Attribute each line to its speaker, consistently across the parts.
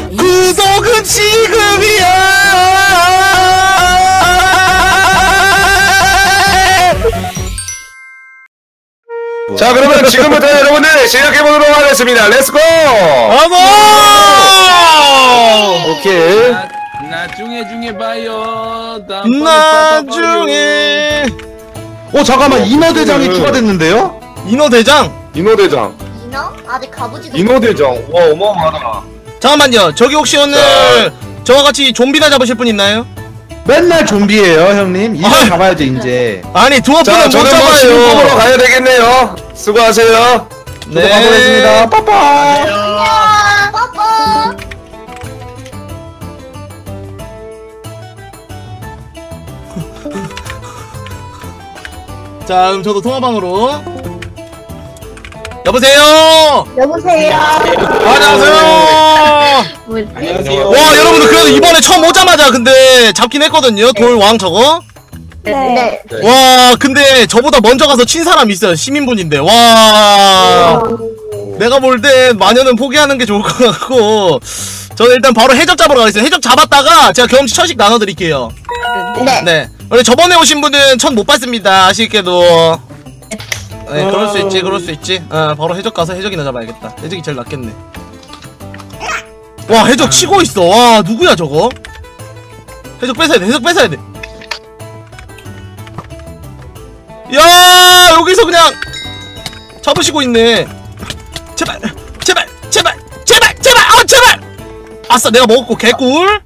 Speaker 1: 구독은 지금이야.
Speaker 2: 자, 그러면 지금부터 여러분들 시작해보도록 하겠습니다. 렛츠고!
Speaker 1: 어머!
Speaker 2: 오케이.
Speaker 3: 나중에 봐요.
Speaker 1: 나중에.
Speaker 2: 잠깐만, 인어대장이 추가됐는데요?
Speaker 1: 인어대장?
Speaker 2: 인어대장.
Speaker 4: 인어? 아직 가보지도
Speaker 2: 인어대장. 와, 어마어마하다.
Speaker 1: 잠깐만요. 저기 혹시 오늘 저와 같이 좀비나 잡으실 분 있나요?
Speaker 5: 맨날 좀비예요 형님. 이제 잡아야죠 이제.
Speaker 1: 아니 두어프는 못
Speaker 2: 저는 뭐 지금 뽑으러
Speaker 1: 잡아요.
Speaker 2: 가야 되겠네요. 수고하세요.
Speaker 5: 저도 가보겠습니다. 빠빠.
Speaker 4: 안녕 빠빠.
Speaker 1: 자, 그럼 저도 통화방으로. 여보세요.
Speaker 4: 여보세요.
Speaker 1: 안녕하세요.
Speaker 3: 안녕하세요.
Speaker 1: 와, 여러분들 그래도 이번에 처음 오자마자 근데 잡긴 했거든요. 돌왕 저거.
Speaker 4: 네.
Speaker 1: 와, 근데 저보다 먼저 가서 친 사람 있어요. 시민분인데. 와. 내가 볼 때 마녀는 포기하는 게 좋을 것 같고. 저는 일단 바로 해적 잡으러 가겠습니다. 해적 잡았다가 제가 경험치 1000씩 나눠드릴게요.
Speaker 4: 네.
Speaker 1: 네. 원래 저번에 오신 분은 1000 못 받습니다. 아쉽게도. 네, 그럴 수 있지, 그럴 수 있지. 바로 해적 가서 해적이나 잡아야겠다. 해적이 제일 낫겠네. 와, 해적 치고 있어. 와, 누구야, 저거? 해적 뺏어야 돼, 해적 뺏어야 돼. 야, 여기서 그냥 잡으시고 있네. 제발, 제발, 제발, 제발, 제발, 제발! 아싸, 내가 먹었고, 개꿀.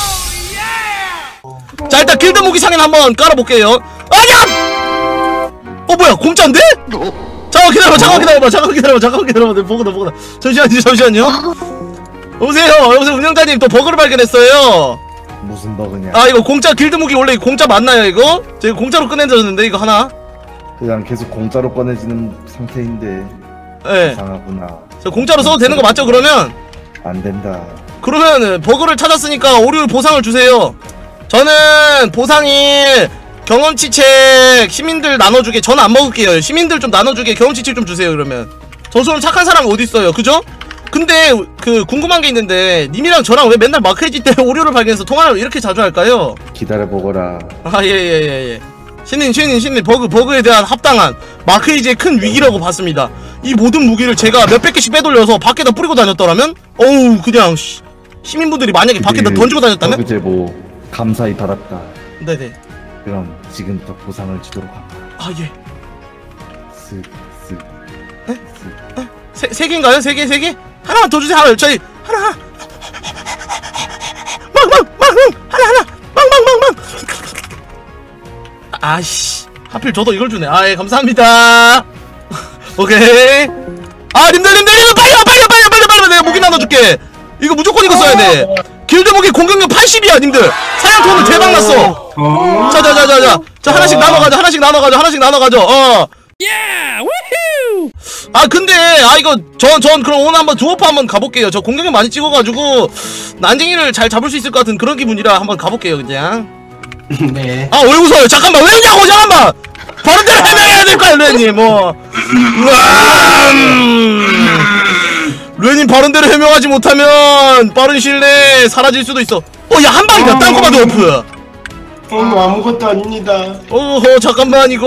Speaker 1: 자, 일단 길드 무기 상인 한번 깔아볼게요. 아니야! 뭐야, 공짜인데? 잠깐 기다려봐. 버그다. 잠시만요. 여보세요, 운영자님, 또 버그를 발견했어요.
Speaker 5: 무슨 버그냐?
Speaker 1: 아, 이거 공짜 길드 무기 원래 공짜 맞나요, 이거? 제가 공짜로 꺼내줬는데, 이거 하나?
Speaker 5: 그냥 계속 공짜로 꺼내지는 상태인데
Speaker 1: 예.
Speaker 5: 이상하구나.
Speaker 1: 저 공짜로 써도 되는 거 맞죠, 그러면?
Speaker 5: 안 된다.
Speaker 1: 그러면 버그를 찾았으니까 오류 보상을 주세요. 저는 보상이 경험치 책 시민들 나눠주게. 저는 안 먹을게요. 시민들 좀 나눠주게 경험치 책 좀 주세요. 그러면 저처럼 착한 사람 어디 있어요, 그죠? 근데 그 궁금한 게 있는데 님이랑 저랑 왜 맨날 마크에지 때 오류를 발견해서 통화를 이렇게 자주 할까요?
Speaker 5: 기다려보거라.
Speaker 1: 아, 예. 신님 버그에 대한 합당한 마크에이지의 큰 위기라고 봤습니다. 이 모든 무기를 제가 몇백 개씩 빼돌려서 밖에다 뿌리고 다녔더라면, 어우, 그냥 시민분들이 만약에 밖에다 던지고 다녔다면?
Speaker 5: 버그 제보 감사히 받았다.
Speaker 1: 네네.
Speaker 5: 그럼 지금부터 보상을 주도록 한다.
Speaker 1: 아, 예.
Speaker 5: 쓱쓱.
Speaker 1: 세 개인가요? 세 개? 하나만 더 주세요. 하나, 저희 하나. 하나. 망. 아이씨, 하필 저도 이걸 주네. 아, 예, 감사합니다. 오케이. 아, 님들 빨리 와. 내가 무기 나눠줄게. 이거 무조건 이거 써야 돼. 길드 무기 공격력 80이야, 님들. 사냥통은 대박 났어. 자, 하나씩 나눠가죠. 아, 근데 이거 전 그럼 오늘 한번 두어프 한번 가볼게요. 저 공격력 많이 찍어가지고 난쟁이를 잘 잡을 수 있을 것 같은 그런 기분이라 한번 가볼게요, 그냥.
Speaker 3: 네.
Speaker 1: 아, 왜 웃어요? 잠깐만, 왜냐고, 잠깐만! 바로 대로 해명해야 될까요, 르님, 르님, 바른대로 해명하지 못하면 빠른 시일 내에 사라질 수도 있어. 야, 한 방이다, 땅콩아 두어프.
Speaker 3: 아무것도 아닙니다.
Speaker 1: 어허, 잠깐만, 이거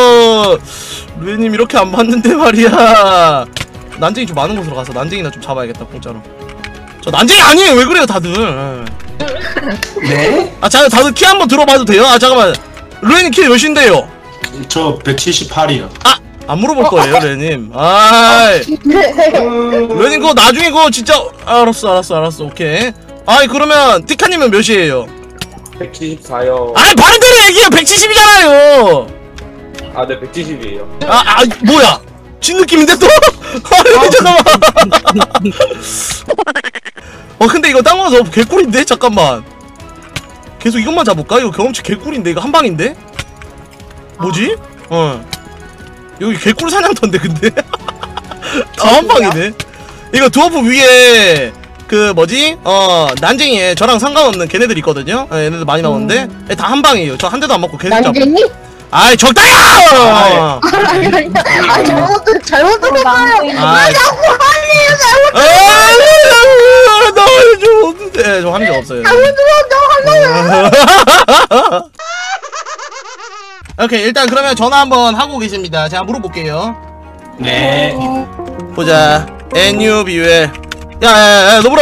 Speaker 1: 르님 이렇게 안 봤는데 말이야. 난쟁이 좀 많은 곳으로 가서 난쟁이나 좀 잡아야겠다, 공짜로. 저 난쟁이 아니에요. 왜 그래요, 다들?
Speaker 3: 네?
Speaker 1: 아, 다들 키 한번 들어봐도 돼요? 아, 잠깐만. 르님 키 몇인데요?
Speaker 3: 저 178이요.
Speaker 1: 아! 안 물어볼 거예요, 르님. 아이. 르님 그거 나중에 그거 진짜. 알았어. 오케이. 아이, 그러면 티카님은 몇이에요?
Speaker 2: 174요.
Speaker 1: 아이, 바른대로 얘기해요. 170이잖아요.
Speaker 2: 아, 네, 170이에요.
Speaker 1: 뭐야? 진 느낌인데 또? 아니, 잠깐만. 근데 이거 땅 와서 개꿀인데? 잠깐만. 계속 이것만 잡을까? 이거 경험치 개꿀인데? 이거 한 방인데? 뭐지? 여기 개꿀 사냥터인데, 근데? 다 한 방이네. 이거 두어프 위에 그 뭐지? 난쟁이에 저랑 상관없는 걔네들 있거든요? 얘네들 많이 나오는데 다 한 방이에요. 저 한 대도 안 맞고 계속 잡고.
Speaker 4: 난쟁이?
Speaker 1: 아이, 적당히야!
Speaker 4: 잘못 들었어요.
Speaker 1: 아,
Speaker 4: 자꾸 하네요.
Speaker 1: 나 좀 네, 저 한 적 없어요. 오케이, 일단 그러면 전화 한번 하고 계십니다. 제가 물어볼게요.
Speaker 3: 네.
Speaker 1: 보자. NUBUL. 야, 너무라.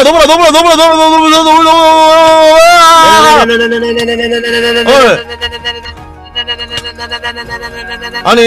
Speaker 1: 아니,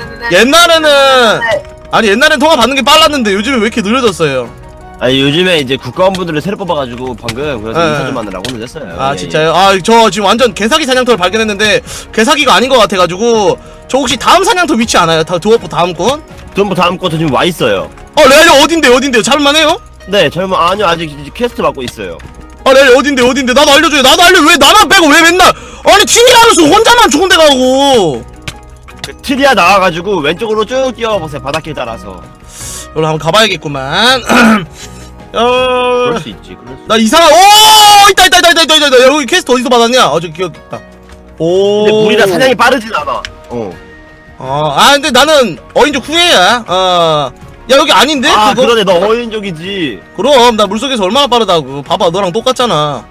Speaker 1: 옛날엔 통화 받는 게 빨랐는데 요즘에 왜 이렇게 느려졌어요?
Speaker 6: 아니 요즘에 이제 국가원분들을 새로 뽑아가지고 방금 그래서
Speaker 1: 네.
Speaker 6: 인사 좀 하느라고 오늘 했어요.
Speaker 1: 아
Speaker 6: 예,
Speaker 1: 진짜요? 아 저 지금 완전 개사기 사냥터를 발견했는데 개사기가 아닌 것 같아가지고 저 혹시 다음 사냥터 위치 아나요? 드워프 다음 건?
Speaker 6: 예. 전부 다음 것도 지금 와 있어요.
Speaker 1: 레알이 어딘데요? 잡을만해요?
Speaker 6: 네, 젊은 아니요 아직 이제 퀘스트 받고 있어요.
Speaker 1: 레알이 어딘데? 나도 알려줘요. 왜 나만 빼고 왜 맨날 아니 팀이라면서 혼자만 좋은 데 가고.
Speaker 6: 그 트리아 나와가지고 왼쪽으로 쭉 뛰어보세요. 바닷길 따라서.
Speaker 1: 여기 한번 가봐야겠구만.
Speaker 6: 그럴 수 있지. 그럴 수.
Speaker 1: 나 이상한 있다. 여기 퀘스트 어디서 받았냐? 저 기억있다. 오.
Speaker 6: 근데 물이라 사냥이 빠르진 않아.
Speaker 1: 근데 나는 어인족 후예야. 야 여기 아닌데?
Speaker 6: 아
Speaker 1: 그거?
Speaker 6: 그러네. 너 어인족이지.
Speaker 1: 그럼 나 물속에서 얼마나 빠르다고. 봐봐 너랑 똑같잖아.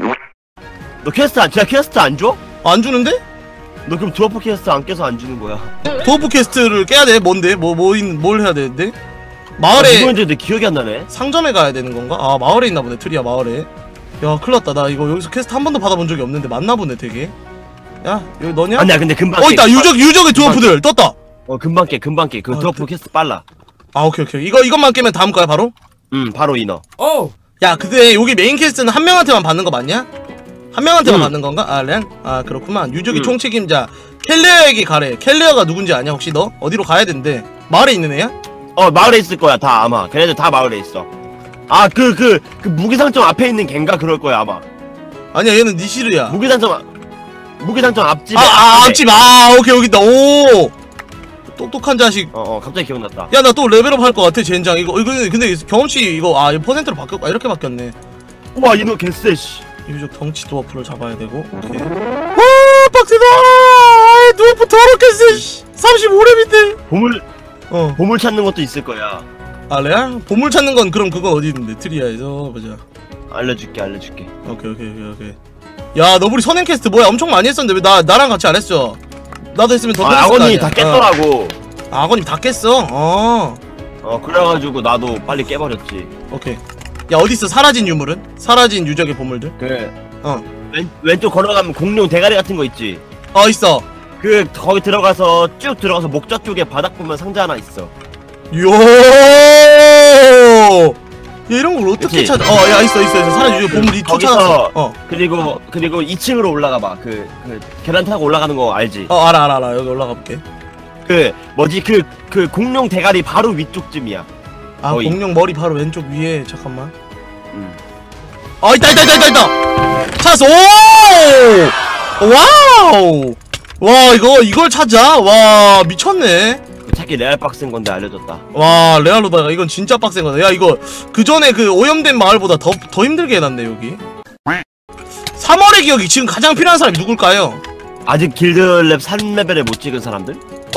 Speaker 6: 너 진짜 퀘스트 안 줘?
Speaker 1: 안 주는데?
Speaker 6: 너 그럼 드워프 퀘스트 안 깨서 안 주는 거야.
Speaker 1: 도어프 퀘스트를 깨야 돼. 뭔데? 뭘 해야 되는데?
Speaker 6: 아,
Speaker 1: 마을에
Speaker 6: 이거 이제 내 기억이 안 나네.
Speaker 1: 상점에 가야 되는 건가? 마을에 있나 보네. 트리아 마을에. 야 큰일났다. 나 이거 여기서 퀘스트 한 번도 받아본 적이 없는데 맞나 보네 되게. 야 여기 너냐?
Speaker 6: 아니야 근데 금방.
Speaker 1: 있다. 유적의 드워프들 떴다.
Speaker 6: 금방 깨. 그
Speaker 1: 아,
Speaker 6: 드워프 퀘스트 빨라.
Speaker 1: 오케이. 이것만 깨면 다음 거야 바로?
Speaker 6: 바로 인어.
Speaker 1: 야 근데 여기 메인 퀘스트는 한 명한테만 받는 거 맞냐? 한 명한테만 받는 건가? 그렇구만. 유적의 총책임자 켈리어에게 가래. 켈리어가 누군지 아냐 혹시 너? 어디로 가야 된대? 마을에 있는 애야?
Speaker 6: 마을에 있을 거야 다 아마. 걔네들 다 마을에 있어. 그 무기상점 앞에 있는 걘가 그럴 거야 아마.
Speaker 1: 아니야 얘는 니시르야.
Speaker 6: 무기상점 앞집에.
Speaker 1: 앞집. 오케이 여기 있다. 오 똑똑한 자식.
Speaker 6: 갑자기 기억났다.
Speaker 1: 야 나 또 레벨업 할 것 같아 젠장. 이거 근데 경험치 이거 이거 퍼센트로 바뀌었. 이렇게 바뀌었네.
Speaker 6: 우와 이놈 개쎄 씨.
Speaker 1: 유적 덩치 드워프를 잡아야 되고. 오케이. 와 빡세다. 드워프 더럽게 쎄. 35렙인데.
Speaker 6: 보물 찾는 것도 있을 거야.
Speaker 1: 레알? 보물 찾는 건 그럼 그건 어디 있는데? 트리아에서 보자.
Speaker 6: 알려줄게.
Speaker 1: 오케이. 야 너구리 선행 퀘스트 뭐야? 엄청 많이 했었는데 왜 나랑 같이 안 했어? 나도 했으면 더 됐을 거
Speaker 6: 악어님이
Speaker 1: 아니야.
Speaker 6: 다 깼더라고.
Speaker 1: 악어님 다 깼어?
Speaker 6: 그래가지고 나도 빨리 깨버렸지.
Speaker 1: 오케이. 야 어딨어 사라진 유물은? 사라진 유적의 보물들?
Speaker 6: 왼쪽 걸어가면 공룡 대가리 같은 거 있지.
Speaker 1: 있어.
Speaker 6: 거기 들어가서 쭉 들어가서 목좌 쪽에 바닥 보면 상자 하나 있어.
Speaker 1: 야 이런 걸 어떻게
Speaker 6: 그치?
Speaker 1: 찾아? 야 있어. 사라진 유적 보물
Speaker 6: 거기서
Speaker 1: 쫓아놨어.
Speaker 6: 그리고 2층으로 올라가 봐. 계단 타고 올라가는 거 알지?
Speaker 1: 알아. 여기 올라가 볼게.
Speaker 6: 그 공룡 대가리 바로 위쪽쯤이야. 거의.
Speaker 1: 공룡 머리 바로 왼쪽 위에. 잠깐만. 있다. 찾았어. 오! 와우! 와 이걸 찾아? 와 미쳤네.
Speaker 6: 찾기 레알 빡센 건데 알려줬다.
Speaker 1: 와 레알로다가 이건 진짜 빡센 거다. 야 이거 그 전에 그 오염된 마을보다 더 힘들게 해놨네 여기. 3월의 기억이 지금 가장 필요한 사람이 누굴까요?
Speaker 6: 아직 길드랩 3레벨에 못 찍은 사람들?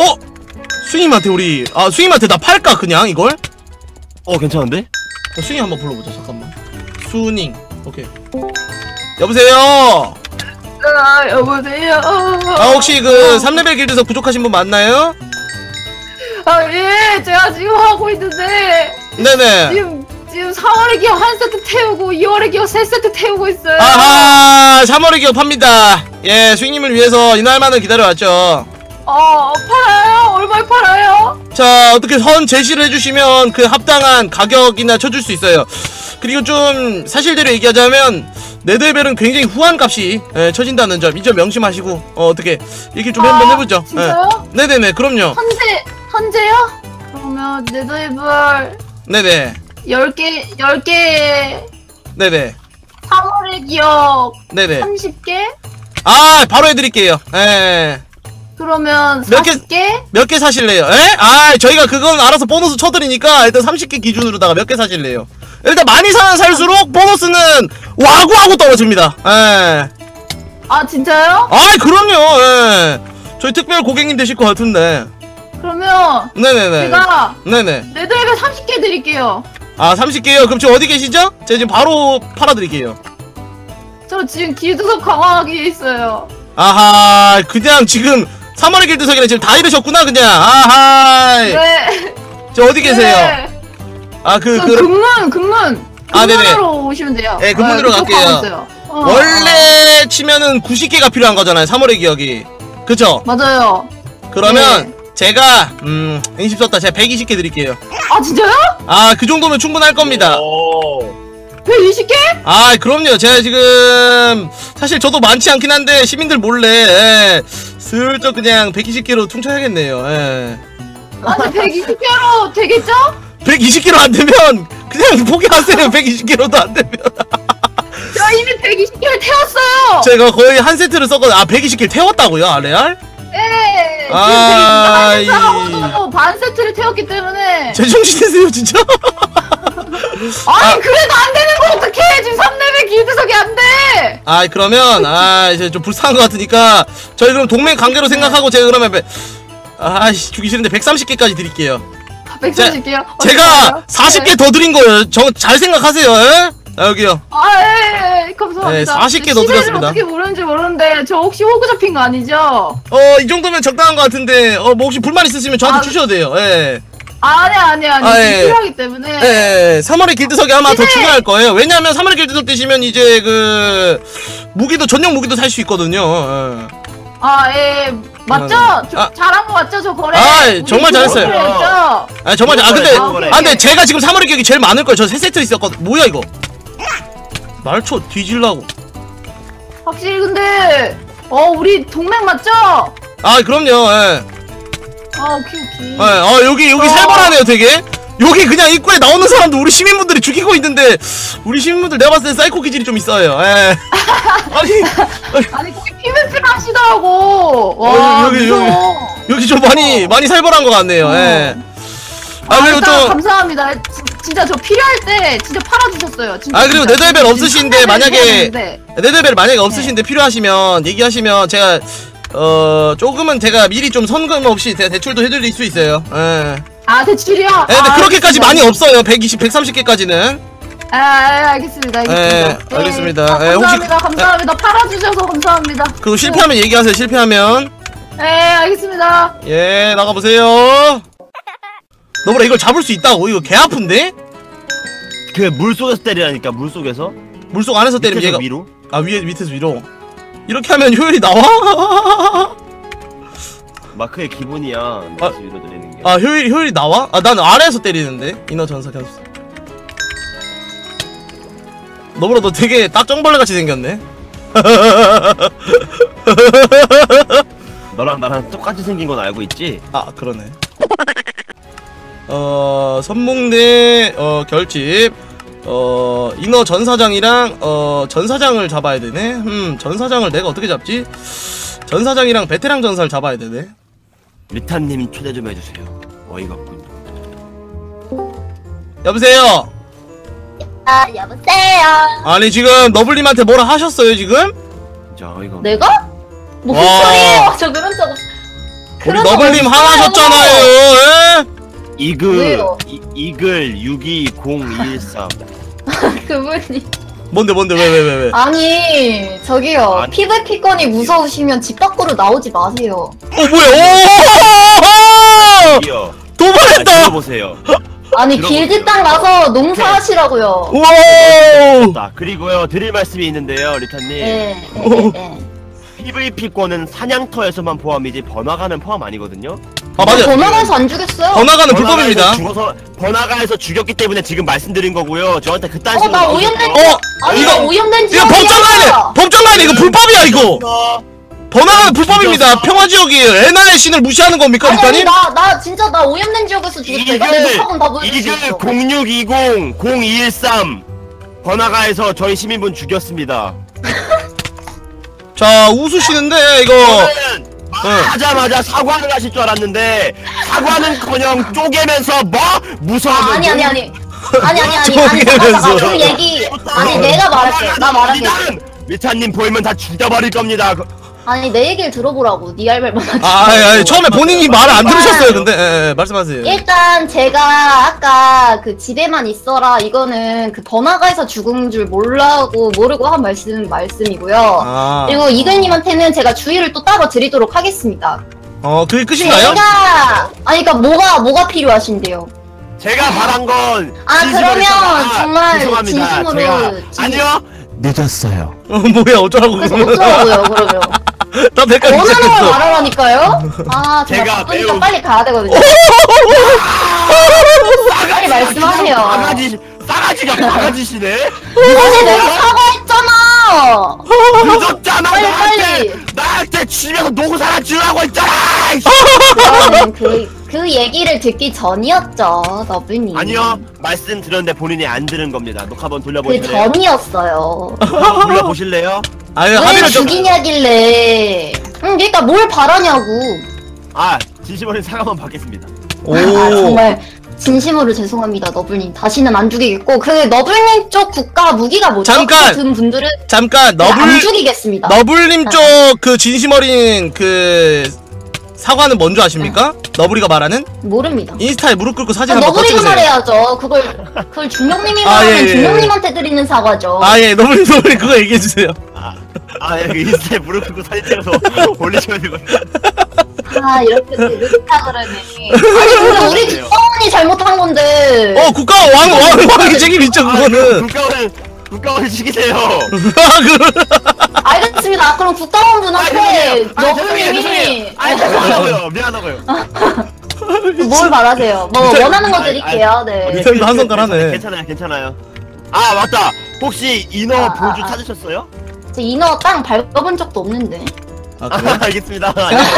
Speaker 1: 스님한테 스님한테 나 팔까 그냥 이걸?
Speaker 6: 괜찮은데?
Speaker 1: 스님 한번 불러보자. 잠깐만. 수닝. 오케이. 여보세요.
Speaker 7: 여보세요.
Speaker 1: 혹시 그 3레벨 길드에서 부족하신 분 맞나요?
Speaker 7: 예, 제가 지금 하고 있는데
Speaker 1: 네네.
Speaker 7: 지금 4월의 기업 한 세트 태우고 2월의 기업 3세트 태우고 있어요.
Speaker 1: 아하 3월의 기업 팝니다. 예 수익님을 위해서 이날만을 기다려왔죠.
Speaker 7: 팔아요? 얼마에 팔아요?
Speaker 1: 자 어떻게 선 제시를 해주시면 그 합당한 가격이나 쳐줄 수 있어요. 그리고 좀 사실대로 얘기하자면 네드벨은 굉장히 후한 값이 쳐진다는 점 이 점 명심하시고 어떻게 얘기 좀 한번 해보죠.
Speaker 7: 진짜요?
Speaker 1: 네네네 그럼요.
Speaker 7: 현재요? 그러면 네더이블
Speaker 1: 네네
Speaker 7: 10개
Speaker 1: 네네
Speaker 7: 3월의 기업
Speaker 1: 네네
Speaker 7: 30개?
Speaker 1: 바로 해드릴게요.
Speaker 7: 그러면
Speaker 1: 몇 개?
Speaker 7: 40개?
Speaker 1: 몇 개 사실래요? 저희가 그건 알아서 보너스 쳐드리니까 일단 30개 기준으로다가 몇 개 사실래요? 일단 많이 사면 살수록 보너스는 와구와구 떨어집니다.
Speaker 7: 진짜요?
Speaker 1: 그럼요. 저희 특별 고객님 되실 것 같은데.
Speaker 7: 그러면
Speaker 1: 네네네.
Speaker 7: 제가
Speaker 1: 네네.
Speaker 7: 네더이블 30개 드릴게요.
Speaker 1: 아 30개요? 그럼 지금 어디 계시죠? 제가 지금 바로 팔아드릴게요.
Speaker 7: 저 지금 길드석 강화하기에 있어요.
Speaker 1: 아하 그냥 지금 3월의 길드석이랑 지금 다 이르셨구나 그냥. 아하
Speaker 7: 네.
Speaker 1: 저 어디 계세요?
Speaker 7: 네.
Speaker 1: 아
Speaker 7: 저 금문.
Speaker 1: 아, 네네.
Speaker 7: 금문으로 오시면 돼요.
Speaker 1: 네, 금문으로
Speaker 7: 그쪽
Speaker 1: 갈게요.
Speaker 7: 가고 있어요.
Speaker 1: 원래 치면은 90개가 필요한 거잖아요 3월의 기억이. 그쵸?
Speaker 7: 맞아요.
Speaker 1: 그러면 제가 인심 썼다 제가 120개 드릴게요.
Speaker 7: 아 진짜요?
Speaker 1: 아 그 정도면 충분할 겁니다.
Speaker 6: 오.
Speaker 7: 120개?
Speaker 1: 아 그럼요. 제가 지금 사실 저도 많지 않긴 한데 시민들 몰래 슬쩍 그냥 120개로 퉁쳐야겠네요.
Speaker 7: 아니 120개로 되겠죠?
Speaker 1: 120개로 안 되면 그냥 포기하세요. 120개로도 안 되면.
Speaker 7: 저 이미 120개를 태웠어요.
Speaker 1: 제가 거의 한 세트를 썼거든요. 아 120개를 태웠다고요? 아 레알?
Speaker 7: 네.
Speaker 1: 아,
Speaker 7: 지금 120개하고도 반 세트를 태웠기 때문에.
Speaker 1: 제정신이세요 진짜?
Speaker 7: 아니 그래도 안 되는 거 어떡해? 지금 3레벨 길드석이 안 돼.
Speaker 1: 아 그러면 이제 좀 불쌍한 것 같으니까 저희 그럼 동맹 관계로 생각하고 제가 그러면 아씨 주기 싫은데 130개까지 드릴게요.
Speaker 7: 130개요?
Speaker 1: 제가 40개 더 드린 거예요. 저 잘 생각하세요. 에? 아, 여기요.
Speaker 7: 예, 감사합니다.
Speaker 1: 네, 40개 더
Speaker 7: 시세를
Speaker 1: 드렸습니다.
Speaker 7: 어떻게 모르는지 모르는데 저 혹시 호구 잡힌 거 아니죠?
Speaker 1: 이 정도면 적당한 것 같은데 뭐 혹시 불만 있으시면 저한테 주셔도 돼요. 예.
Speaker 7: 아니
Speaker 1: 예.
Speaker 7: 필요하기 때문에.
Speaker 1: 예. 3월의 길드석이 아마 더
Speaker 7: 시세!
Speaker 1: 중요할 거예요. 왜냐하면 3월의 길드석 되시면 이제 그 무기도 전용 무기도 살 수 있거든요. 예.
Speaker 7: 예. 맞죠? 잘한 거 맞죠? 저 거래. 우리
Speaker 1: 정말 잘했어요.
Speaker 7: 했죠?
Speaker 1: 정말 근데
Speaker 7: 오케이.
Speaker 1: 근데 제가 지금 3월의 기억이 제일 많을 거예요. 저 3세트 있었거든. 뭐야 이거? 날쳐 뒤질라고.
Speaker 7: 확실히 근데 우리 동맹 맞죠?
Speaker 1: 그럼요. 예.
Speaker 7: 오케이.
Speaker 1: 여기 살벌하네요 되게. 여기 그냥 입구에 나오는 사람도 우리 시민분들이 죽이고 있는데 우리 시민분들 내가 봤을 때 사이코 기질이 좀 있어요. 예.
Speaker 7: 아니 거기 PVP를 하시더라고. 와
Speaker 1: 여기 좀 많이 살벌한 것 같네요. 예. 그리고
Speaker 7: 일단
Speaker 1: 좀
Speaker 7: 감사합니다. 진짜 저 필요할 때 진짜 팔아주셨어요. 진짜,
Speaker 1: 그리고
Speaker 7: 진짜.
Speaker 1: 네더벨 없으신데
Speaker 7: 지금
Speaker 1: 만약에 네더벨 만약에
Speaker 7: 네.
Speaker 1: 없으신데 필요하시면 얘기하시면 제가 조금은 제가 미리 좀 선금 없이 대출도 해드릴 수 있어요. 예.
Speaker 7: 대출이요?
Speaker 1: 근데 그렇게까지 많이 없어요. 120, 130개까지는.
Speaker 7: 알겠습니다.
Speaker 1: 알겠습니다.
Speaker 7: 감사합니다. 팔아주셔서 감사합니다.
Speaker 1: 그리고 실패하면 얘기하세요. 실패하면.
Speaker 7: 알겠습니다.
Speaker 1: 예, 나가보세요. 너보라 이걸 잡을 수 있다고? 이거 개 아픈데?
Speaker 6: 그 물속에서 때리라니까 물속에서.
Speaker 1: 물속 안에서 때리면 얘가
Speaker 6: 위로.
Speaker 1: 밑에서 위로. 이렇게 하면 효율이 나와?
Speaker 6: 마크의 기본이야. 밑에서 위로 때리는 게.
Speaker 1: 효율이 나와? 난 아래에서 때리는데. 인어 전사 견수. 너보라 너 되게 딱정벌레 같이 생겼네.
Speaker 6: 너랑 나랑 똑같이 생긴 건 알고 있지?
Speaker 1: 그러네. 선봉대 결집 인어 전사장이랑 전사장을 잡아야 되네. 전사장을 내가 어떻게 잡지? 전사장이랑 베테랑 전사를 잡아야 되네.
Speaker 6: 리타님 초대 좀 해주세요. 어이가 없군요.
Speaker 1: 여보세요.
Speaker 4: 여보세요.
Speaker 1: 아니 지금 너블님한테 뭐라 하셨어요 지금?
Speaker 6: 진짜 어이가 없네.
Speaker 4: 내가? 무슨
Speaker 1: 와.
Speaker 4: 소리예요? 저 그런 적 없어.
Speaker 1: 우리
Speaker 4: 그런 적
Speaker 1: 너블님
Speaker 4: 없어요.
Speaker 1: 화나셨잖아요. 예?
Speaker 6: 이글 620213.
Speaker 4: 그분이.
Speaker 1: 뭔데 왜?
Speaker 4: 아니 저기요.
Speaker 6: 아니.
Speaker 4: PVP권이 무서우시면 집 밖으로 나오지 마세요.
Speaker 1: 뭐야? 오!
Speaker 6: 이요.
Speaker 1: 도발했다.
Speaker 6: 들어보세요.
Speaker 4: 아니
Speaker 6: 들어보세요.
Speaker 4: 길드 땅 가서 농사하시라고요.
Speaker 1: 우와!
Speaker 6: 자, 그리고요 드릴 말씀이 있는데요, 리타님.
Speaker 4: 네.
Speaker 6: PVP권은 사냥터에서만 포함이지 번화가는 포함 아니거든요.
Speaker 1: 맞아요.
Speaker 4: 번화가에서 안 죽였어요.
Speaker 1: 번화가는 불법입니다.
Speaker 6: 죽어서 번화가에서 죽였기 때문에 지금 말씀드린 거고요. 저한테 그딴 식으로.
Speaker 4: 나 오염된 아니
Speaker 1: 이거-
Speaker 4: 나 오염된
Speaker 1: 이거 법정 가야 돼. 법정 가야 돼. 이거 불법이야 이거. 번화가는 불법입니다. 평화지역이에요. 에나의 신을 무시하는 겁니까,
Speaker 4: 아니
Speaker 1: 리타님?
Speaker 4: 나 진짜 나 오염된 지역에서 죽였어. 이거 내 녹화본 다 보여줄 수
Speaker 6: 이글
Speaker 4: 있어.
Speaker 6: 0620 0213 번화가에서 저희 시민분 죽였습니다.
Speaker 1: 자, 웃으시는데 이거
Speaker 6: 저는 하자마자 사과를 하실 줄 알았는데 사과는커녕 쪼개면서 뭐 무서워.
Speaker 4: 아니
Speaker 1: 쪼개면서.
Speaker 4: 잠깐 그 얘기 아니 내가 말할게 나 말할게
Speaker 6: 리타님 보이면 다 죽여버릴 겁니다.
Speaker 4: 아니 내 얘기를 들어보라고. 네 할 말만 하지.
Speaker 1: 아니, 처음에 본인이 말을 안 들으셨어요. 근데 예, 말씀하세요.
Speaker 4: 일단 제가 아까 그 집에만 있어라 이거는 그 번화가에서 죽은 줄 모르고 한 말씀이고요.
Speaker 1: 아,
Speaker 4: 그리고 이글님한테는 제가 주의를 또 따로 드리도록 하겠습니다.
Speaker 1: 그게 끝인가요?
Speaker 4: 제가 아니 그러니까 뭐가 필요하신데요?
Speaker 6: 제가 바란 건
Speaker 4: 그러면 정말
Speaker 6: 죄송합니다.
Speaker 4: 진심으로
Speaker 6: 아니요. 늦었어요.
Speaker 1: 뭐야 어쩌라고
Speaker 4: 그래서
Speaker 1: 그러면.
Speaker 4: 어쩌라고요 그러면?
Speaker 1: 나 백까지
Speaker 4: 원하는 걸
Speaker 1: 시작했어.
Speaker 4: 말하라니까요? 제가
Speaker 6: 제가
Speaker 4: 바쁘니까
Speaker 6: 매우-
Speaker 4: 빨리 가야 되거든요. 빨리 말씀하세요.
Speaker 6: 싸가지가 바가지시네.
Speaker 4: 아니 내가 사과했잖아.
Speaker 6: 늦었잖아.
Speaker 4: 빨리.
Speaker 6: 나한테 집에서 노고사라 주라고 했잖아.
Speaker 4: 그거는 그 얘기를 듣기 전이었죠, 너블님.
Speaker 6: 아니요. 말씀드렸는데 본인이 안 들은 겁니다. 녹화 한번
Speaker 4: 그
Speaker 6: 돌려보실래요?
Speaker 4: 전이었어요.
Speaker 6: 돌려보실래요?
Speaker 1: 아니
Speaker 4: 왜
Speaker 1: 합의를 좀.
Speaker 4: 죽이냐길래. 그러니까 뭘 바라냐고.
Speaker 6: 진심 어린 사과만 받겠습니다.
Speaker 1: 오.
Speaker 4: 정말 진심으로 죄송합니다, 너블님. 다시는 안 죽이겠고 그 너블님 쪽 국가 무기가 뭐죠?
Speaker 1: 잠깐!
Speaker 4: 든 분들은
Speaker 1: 잠깐
Speaker 4: 안 죽이겠습니다.
Speaker 1: 너블님 쪽 그 진심 어린 그 사과는 뭔지 아십니까? 너블이가 말하는
Speaker 4: 모릅니다.
Speaker 1: 인스타에 무릎 꿇고 사진 한번
Speaker 4: 너블이가
Speaker 1: 꺼주세요.
Speaker 4: 말해야죠. 그걸 중령님이
Speaker 1: 예,
Speaker 4: 말하면
Speaker 1: 예.
Speaker 4: 중령님한테 드리는 사과죠.
Speaker 1: 예, 너블님 그거 얘기해 주세요.
Speaker 6: 인스타에 무릎 꿇고 사진 찍어서 올리시면 되거든요.
Speaker 4: 이렇게 느긋하 그러네. 아니 근데 우리 국가원이 잘못한 건데.
Speaker 1: 국가 왕의 책임 있죠 그거는.
Speaker 6: 국가원을 시키세요.
Speaker 4: 알겠습니다. 그럼 국가원분한테 너블님이
Speaker 6: 미안하고요.
Speaker 4: 뭘 바라세요? 뭐 원하는 거 드릴게요. 네.
Speaker 1: 리턴도 한 손가락 하네.
Speaker 6: 괜찮아요. 맞다. 혹시 인어 보조
Speaker 4: 아.
Speaker 6: 찾으셨어요?
Speaker 4: 저 인어 땅 밟아본 적도 없는데.
Speaker 1: 그래?
Speaker 6: 알겠습니다.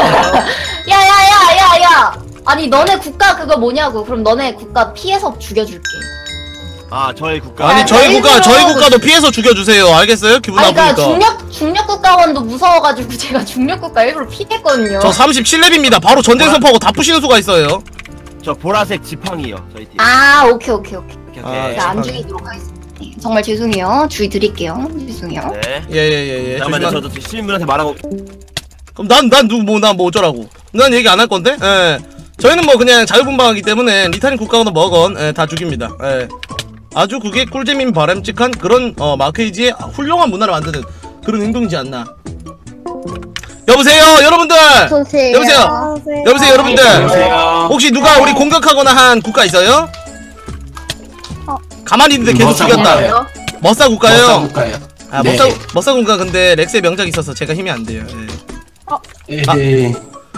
Speaker 4: 야야야야야. 아니 너네 국가 그거 뭐냐고. 그럼 너네 국가 피해서 죽여줄게.
Speaker 6: 저희 국가.
Speaker 1: 아니 저희
Speaker 4: 일부러
Speaker 1: 국가도 피해서 죽여주세요. 알겠어요? 기분
Speaker 4: 아니 그러니까
Speaker 1: 나쁘니까.
Speaker 4: 중력 국가원도 무서워가지고 제가 중력 국가 일부러 피했거든요.
Speaker 1: 저 37렙입니다. 바로 전쟁 선포하고 다 푸시는 수가 있어요.
Speaker 6: 저 보라색 지팡이요. 저희 팀.
Speaker 4: 오케이.
Speaker 6: 오케이.
Speaker 4: 제가 안 죽이도록 하겠습니다. 네, 정말 죄송해요. 주의 드릴게요. 죄송해요.
Speaker 6: 네.
Speaker 1: 예.
Speaker 6: 잠깐만요. 저도 시민분한테 말하고.
Speaker 1: 그럼 난 뭐 어쩌라고? 난 얘기 안 할 건데? 예. 저희는 뭐 그냥 자유분방하기 때문에 리타님 국가거나 뭐건 다 죽입니다. 예. 아주 그게 꿀잼인 바람직한 그런 마크이지의 훌륭한 문화를 만드는 그런 행동이지 않나. 여보세요 여러분들. 여보세요 여러분들.
Speaker 3: 안녕하세요.
Speaker 1: 혹시 누가 우리 공격하거나 한 국가 있어요? 가만히 있는데 계속
Speaker 3: 머싸
Speaker 1: 죽였다.
Speaker 3: 국가예요.
Speaker 1: 머싸 국가요?
Speaker 3: 국가요.
Speaker 1: 머싸 국가 근데 렉스의 명작이 있어서 제가 힘이 안 돼요. 예.
Speaker 3: 네.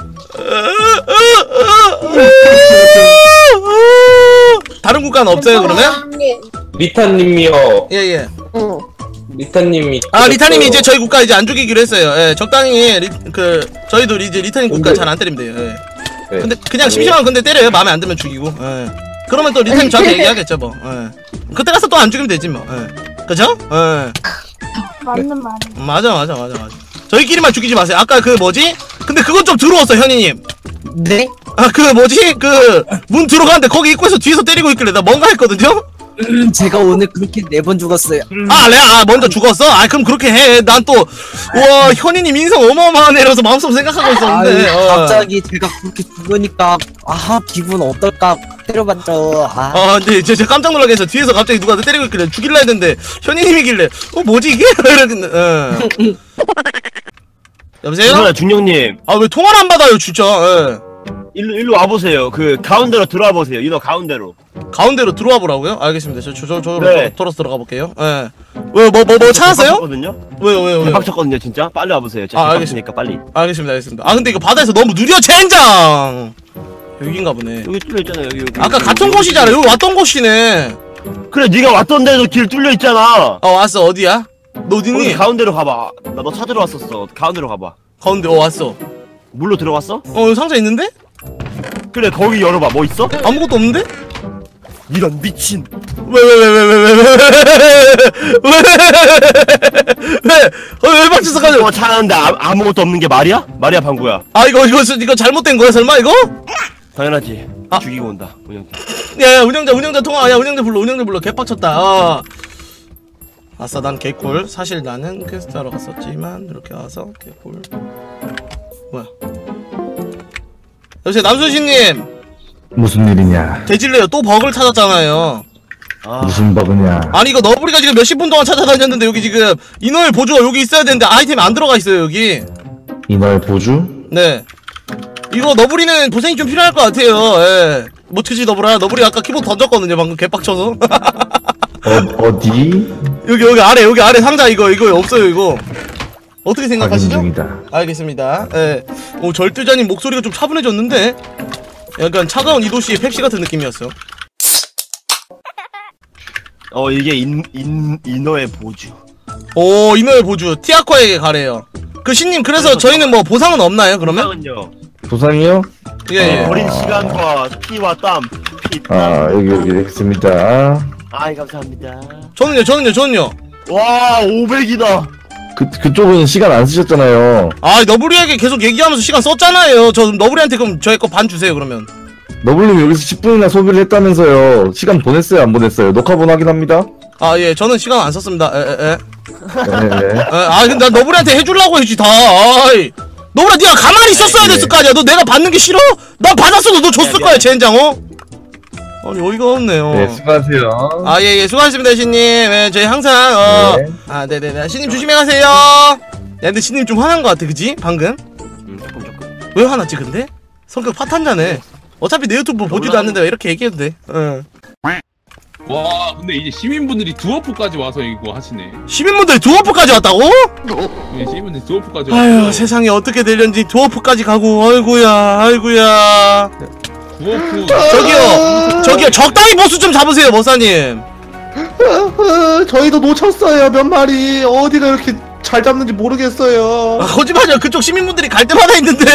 Speaker 1: 다른 국가는 없어요 그러면?
Speaker 8: 리타님이요.
Speaker 1: 예예.
Speaker 8: 리타님이.
Speaker 1: 리타님이 이제 저희 국가 이제 안 죽이기로 했어요. 예, 적당히 저희도 이제 리타님 국가 잘 안 때리면 돼요. 예.
Speaker 8: 네.
Speaker 1: 근데 그냥 심심하면 근데 때려요. 마음에 안 들면 죽이고. 예. 그러면 또 리타님 저한테 얘기하겠죠 뭐. 예. 그때 가서 또 안 죽이면 되지 뭐. 예. 그죠? 예.
Speaker 7: 맞는 말.
Speaker 1: 맞아. 저희끼리만 죽이지 마세요. 아까 그 뭐지? 근데 그건 좀 들어왔어 현이님.
Speaker 9: 네?
Speaker 1: 그 뭐지? 그 문 들어가는데 거기 입구에서 뒤에서 때리고 있길래 나 뭔가 했거든요?
Speaker 9: 제가 오늘 그렇게 4번 죽었어요.
Speaker 1: 먼저 죽었어? 그럼 그렇게 해. 난 또, 우와, 현이님 인성 어마어마하네. 이러면서 마음속으로 생각하고 있었는데.
Speaker 9: 갑자기 제가 그렇게 죽으니까 기분 어떨까 때려봤죠.
Speaker 1: 근데 제가 깜짝 놀라게 해서 뒤에서 갑자기 누가 때리고 있길래 죽일라 했는데, 현이님이길래, 뭐지 이게? 이러겠네. 여보세요?
Speaker 6: 중령님.
Speaker 1: 왜 통화를 안 받아요, 진짜. 예.
Speaker 6: 일로 와보세요. 그 가운데로 들어와 보세요. 인어 가운데로.
Speaker 1: 가운데로 들어와 보라고요? 알겠습니다.
Speaker 6: 네.
Speaker 1: 돌아서 들어가 볼게요. 예. 뭐 찾았어요? 왜요?
Speaker 6: 대박쳤거든요, 진짜. 빨리 와보세요. 제가
Speaker 1: 알겠습니다.
Speaker 6: 빨리.
Speaker 1: 알겠습니다. 근데 이거 바다에서 너무 느려, 젠장! 여긴가 보네.
Speaker 6: 여기 뚫려 있잖아요. 여기.
Speaker 1: 아까 같은 곳이잖아. 여기 왔던 곳이네.
Speaker 6: 그래, 네가 왔던 데도 길 뚫려 있잖아.
Speaker 1: 왔어. 어디야? 너
Speaker 6: 거기
Speaker 1: 어딨니?
Speaker 6: 가운데로 가봐. 나 너 찾으러 왔었어. 가운데로 가봐.
Speaker 1: 가운데 왔어.
Speaker 6: 물로 들어갔어?
Speaker 1: 여기 상자 있는데?
Speaker 6: 그래, 거기 열어봐. 뭐 있어?
Speaker 1: 아무것도 없는데?
Speaker 6: 이런 미친.
Speaker 1: 왜 박치서 가져?
Speaker 6: 뭐 찾았는데 아무것도 없는 게 말이야? 말이야, 방구야.
Speaker 1: 이거 잘못된 거야 설마 이거?
Speaker 6: 당연하지. 죽이고 온다, 운영자.
Speaker 1: 야 운영자 통화. 야 운영자 불러. 개빡쳤다. 아싸 난 개꿀. 사실 나는 퀘스트 하러 갔었지만 이렇게 와서 개꿀. 여보세요 남순신님.
Speaker 5: 무슨 일이냐?
Speaker 1: 대질래요 또 버그를 찾았잖아요.
Speaker 5: 무슨 버그냐?
Speaker 1: 아니 이거 너브리가 지금 몇십 분 동안 찾아다녔는데 여기 지금 인월 보조가 여기 있어야 되는데 아이템이 안 들어가 있어요 여기.
Speaker 5: 인월 보주?
Speaker 1: 네. 이거 너브리는 고생이 좀 필요할 것 같아요. 예. 뭐 트지 너브라? 너브리 아까 키보드 던졌거든요 방금 개빡쳐서.
Speaker 5: 어디?
Speaker 1: 여기 아래 상자 이거 없어요 이거. 어떻게 생각하시죠?
Speaker 5: 확인 중이다.
Speaker 1: 알겠습니다. 예. 오 절대자님 목소리가 좀 차분해졌는데 약간 차가운 이도시의 펩시 같은 느낌이었어.
Speaker 6: 이게 인어의 보주.
Speaker 1: 오 인어의 보주 티아코에게 가래요. 그 신님 그래서 저희는 뭐 보상은 없나요 그러면?
Speaker 6: 보상은요.
Speaker 5: 보상이요?
Speaker 1: 예.
Speaker 6: 버린 시간과 피와 땀.
Speaker 5: 여기 있습니다.
Speaker 6: 아이 감사합니다.
Speaker 1: 저는요.
Speaker 6: 와 500이다.
Speaker 5: 그쪽은 시간 안 쓰셨잖아요.
Speaker 1: 아 너브리에게 계속 얘기하면서 시간 썼잖아요. 저 너브리한테 그럼 저희 거 반 주세요 그러면.
Speaker 5: 너블님 여기서 10분이나 소비를 했다면서요. 시간 보냈어요 안 보냈어요? 녹화본 확인합니다.
Speaker 1: 아 예 저는 시간 안 썼습니다.
Speaker 5: 네.
Speaker 1: 아 근데 난 너브리한테 해주려고 했지 다. 아이 너브리 네가 가만히 있었어야 됐을 거 아니야. 너 내가 받는 게 싫어? 난 받았어도 너 줬을 거야 젠장 어? 아니 어이가 없네요.
Speaker 5: 네 수고하세요.
Speaker 1: 아 예 수고하셨습니다 신님. 예 저희 항상
Speaker 5: 네.
Speaker 1: 아 네네네 신님 조심히 가세요. 야 근데 신님 좀 화난 거 같아 그지 방금?
Speaker 6: 조금.
Speaker 1: 왜 화났지 근데? 성격 파탄자네. 어차피 내 유튜브 보지도 않는데 왜 이렇게 얘기해도 돼? 응.
Speaker 10: 와 근데 이제 시민분들이 두어프까지 와서 이거 하시네.
Speaker 1: 시민분들 두어프까지 왔다고?
Speaker 10: 네, 시민분들이 두어프까지
Speaker 1: 아유
Speaker 10: 와서
Speaker 1: 세상에 어떻게 되려는지 두어프까지 가고 아이고야.
Speaker 10: 두어프
Speaker 1: 저기요 적당히 보수 좀 잡으세요 머사님.
Speaker 5: 저희도 놓쳤어요 몇 마리. 어디가 이렇게 잘 잡는지 모르겠어요.
Speaker 1: 아, 거짓말이야 그쪽 시민분들이 갈 때마다 있는데.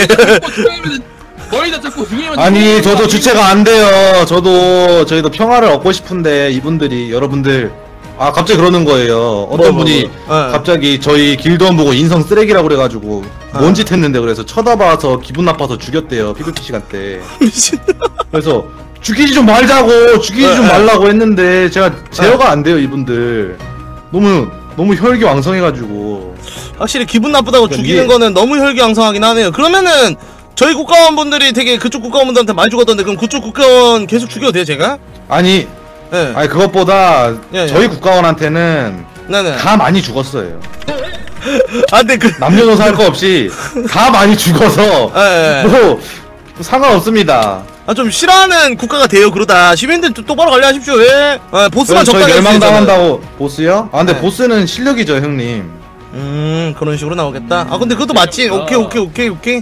Speaker 10: 거의 다 잡고 중요한.
Speaker 5: 아니 저도 주체가 안 돼요. 저희도 평화를 얻고 싶은데 이분들이 여러분들 갑자기 그러는 거예요. 어떤 분이 갑자기 저희 길드원 보고 인성 쓰레기라고 그래가지고 뭔 짓 했는데 그래서 쳐다봐서 기분 나빠서 죽였대요 PVP 시간 때.
Speaker 1: 미친.
Speaker 5: 그래서 죽이지 좀 말자고 죽이지 좀 말라고 했는데 제가 제어가 안 돼요 이분들. 너무 혈기왕성해가지고.
Speaker 1: 확실히 기분 나쁘다고 죽이는 거는 너무 혈기왕성하긴 하네요. 그러면은 저희 국가원분들이 되게 그쪽 국가원분들한테 많이 죽었던데 그럼 그쪽 국가원 계속 죽여도 돼요 제가?
Speaker 5: 아니 그것보다 저희 국가원한테는
Speaker 1: 네네.
Speaker 5: 다 많이 죽었어요.
Speaker 1: 아 근데 그
Speaker 5: 남녀노소 할 거 없이 다 많이 죽어서 뭐 상관없습니다.
Speaker 1: 좀 싫어하는 국가가 돼요 그러다. 시민들 좀 똑바로 관리하십시오. 왜? 보스만
Speaker 5: 저희
Speaker 1: 적당히
Speaker 5: 멸망당한다고. 보스요? 아 근데 보스는 실력이죠 형님.
Speaker 1: 그런 식으로 나오겠다. 아 근데 그것도 맞지. 오케이.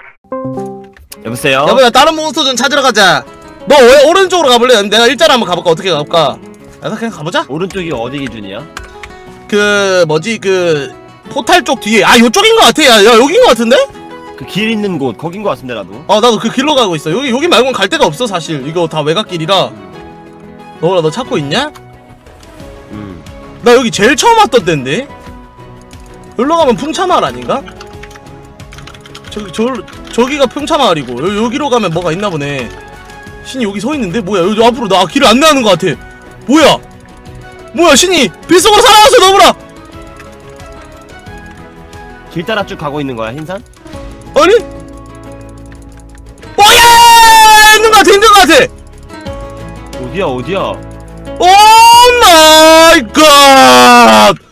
Speaker 6: 여보세요?
Speaker 1: 여보야 다른 몬스터 좀 찾으러 가자. 너 왜 오른쪽으로 가볼래? 내가 일자로 한번 가볼까? 어떻게 가볼까? 야 그냥 가보자.
Speaker 6: 오른쪽이 어디 기준이야?
Speaker 1: 그 뭐지 그 포탈 쪽 뒤에 요쪽인 것 같아. 야 여긴 것 같은데?
Speaker 6: 그 길 있는 곳 거긴 것 같은데 나도.
Speaker 1: 나도 그 길로 가고 있어. 여기 말고는 갈 데가 없어 사실. 이거 다 외곽길이라. 너 찾고 있냐? 나 여기 제일 처음 왔던 데인데? 여기로 가면 풍차마을 아닌가? 저기가 풍차마을이고 여기로 가면 뭐가 있나 보네. 신이 여기 서 있는데? 뭐야 여기 앞으로 나 길을 안내하는 것 같아. 뭐야 신이 빗속으로 살아왔어 너무나.
Speaker 6: 길 따라 쭉 가고 있는 거야 흰산?
Speaker 1: 아니? 있는 것 같아.
Speaker 6: 어디야?
Speaker 1: 오 마이 갓.